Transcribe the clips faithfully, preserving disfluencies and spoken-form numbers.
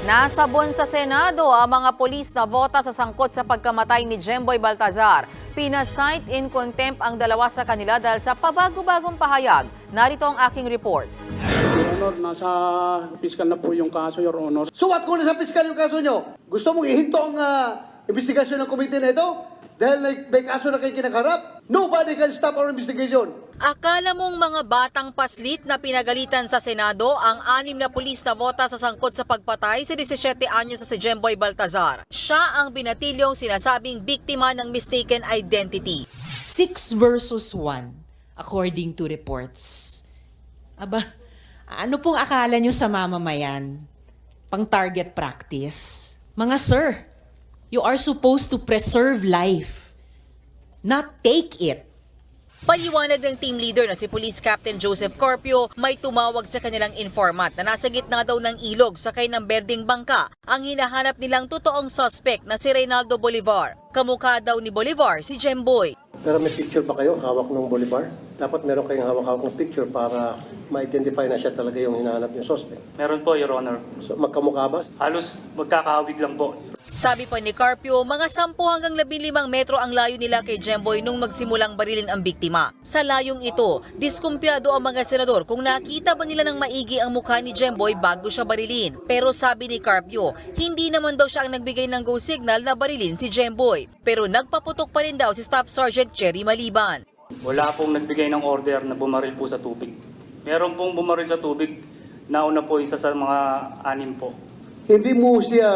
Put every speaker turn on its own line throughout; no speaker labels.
Nasabon sa Senado ang mga pulis na vota sa sangkot sa pagkamatay ni Jemboy Baltazar. Pinasight in contempt ang dalawa sa kanila dahil sa pabago-bagong pahayag. Narito ang aking report.
Your Honor, nasa piskal na po yung kaso, Your Honor.
Suwat ko na sa piskal yung kaso nyo. Gusto mong ihinto ang uh, investigasyon ng komite na ito? Dahil like, may kaso na kayo kinakarap? Nobody can stop our investigation.
Akala mong mga batang paslit na pinagalitan sa Senado ang anim na pulis na vota sa sangkot sa pagpatay sa disisiete anyos sa si Jemboy Baltazar. Siya ang binatilyong sinasabing biktima ng mistaken identity.
Six versus one, according to reports. Aba, ano pong akala nyo sa mamamayan? Pang target practice? Mga sir, you are supposed to preserve life, not take it.
Paliwanag ng team leader na si Police Captain Joseph Corpio, may tumawag sa kanilang informant na nasa gitna daw ng ilog sakay ng berdeng bangka ang hinahanap nilang totoong suspect na si Reynaldo Bolivar. Kamukha daw ni Bolivar si Jemboy.
Pero may picture ba kayo hawak ng Bolivar? Dapat meron kayong hawak-hawak ng picture para ma-identify na siya talaga yung hinahanap yung suspect.
Meron po, Your Honor.
So, magkamukha ba?
Halos magkakahawig lang po.
Sabi pa ni Carpio, mga sampu hanggang labing limang metro ang layo nila kay Jemboy nung magsimulang barilin ang biktima. Sa layong ito, diskumpiyado ang mga senador kung nakita ba nila ng maigi ang mukha ni Jemboy bago siya barilin. Pero sabi ni Carpio, hindi naman daw siya ang nagbigay ng go signal na barilin si Jemboy. Pero nagpaputok pa rin daw si Staff Sergeant Cherry Maliban.
Wala pong nagbigay ng order na bumaril po sa tubig. Meron pong bumaril sa tubig, nauna po isa sa mga anim po.
Hindi mo siya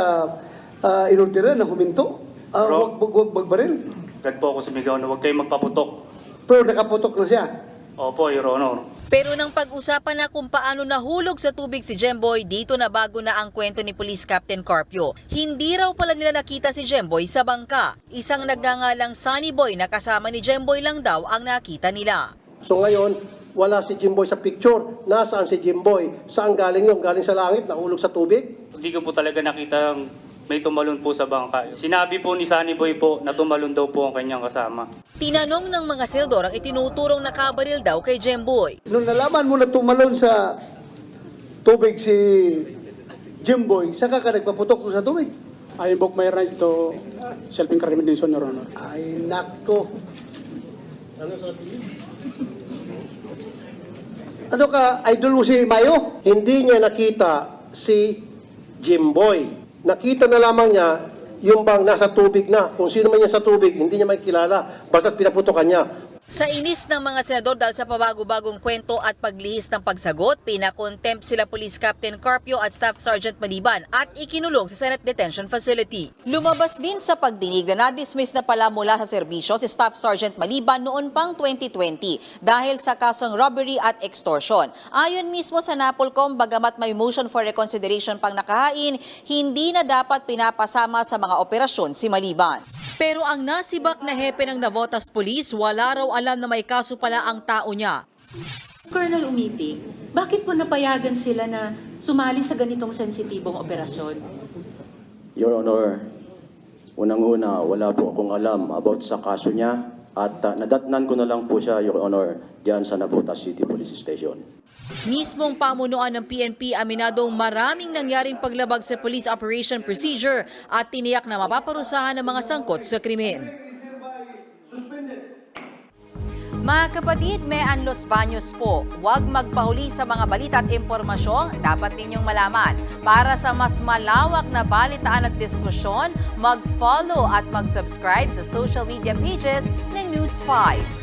uh, inordera na huminto? Uh,
Bro.
wag, wag, wag magbaril?
Agad po ako sumigaw na huwag kayong magpaputok.
Pero nakaputok na siya.
Opo, Your Honor.
Pero nang pag-usapan na kung paano nahulog sa tubig si Jemboy, dito na bago na ang kwento ni Police Captain Carpio. Hindi raw pala nila nakita si Jemboy sa bangka. Isang nagngangalang Sunny Boy na kasama ni Jemboy lang daw ang nakita nila.
So ngayon, wala si Jimboy sa picture. Nasaan si Jimboy? Saan galing yun? Galing sa langit? Nahulog sa tubig?
Hindi ko po talaga nakita may tumalon po sa bangka. Sinabi po ni Sunny Boy po na tumalon daw po ang kanyang kasama.
Tinanong ng mga senador ang itinuturong nakabaril daw kay Jemboy.
Nung nalaman mo na tumalon sa tubig si Jimboy, saka ka nagpaputok sa tubig?
I invoke my right to self-incrimination, Your Honor.
Ay, nako. Ano ka, idol mo si Mayo?
Hindi niya nakita si Jimboy. Nakita na lamang niya yung bang nasa tubig na. Kung sino man niya sa tubig, hindi niya makikilala. Basta't pinaputokan niya.
Sa inis ng mga senador dahil sa pabago-bagong kwento at paglihis ng pagsagot, pinakontempt sila Police Captain Carpio at Staff Sergeant Maliban at ikinulong sa Senate Detention Facility. Lumabas din sa pagdinig na na-dismiss na pala mula sa serbisyo si Staff Sergeant Maliban noon pang twenty twenty dahil sa kasong robbery at extortion. Ayon mismo sa NAPOLCOM, bagamat may motion for reconsideration pang nakahain, hindi na dapat pinapasama sa mga operasyon si Maliban. Pero ang nasibak na hepe ng Navotas Police, wala raw alam na may kaso pala ang tao niya.
Colonel Umipig, bakit po napayagan sila na sumali sa ganitong sensitibong operasyon?
Your Honor, unang-una, wala po akong alam about sa kaso niya at uh, nadatnan ko na lang po siya, Your Honor, diyan sa Navotas City Police Station.
Mismong pamunuan ng P N P aminadong maraming nangyaring paglabag sa police operation procedure at tiniyak na mapaparusahan ng mga sangkot sa krimen. Mga kapatid, may Los Baños po. Huwag magpahuli sa mga balita at impormasyong dapat ninyong malaman. Para sa mas malawak na balitaan at diskusyon, mag-follow at mag-subscribe sa social media pages ng News five.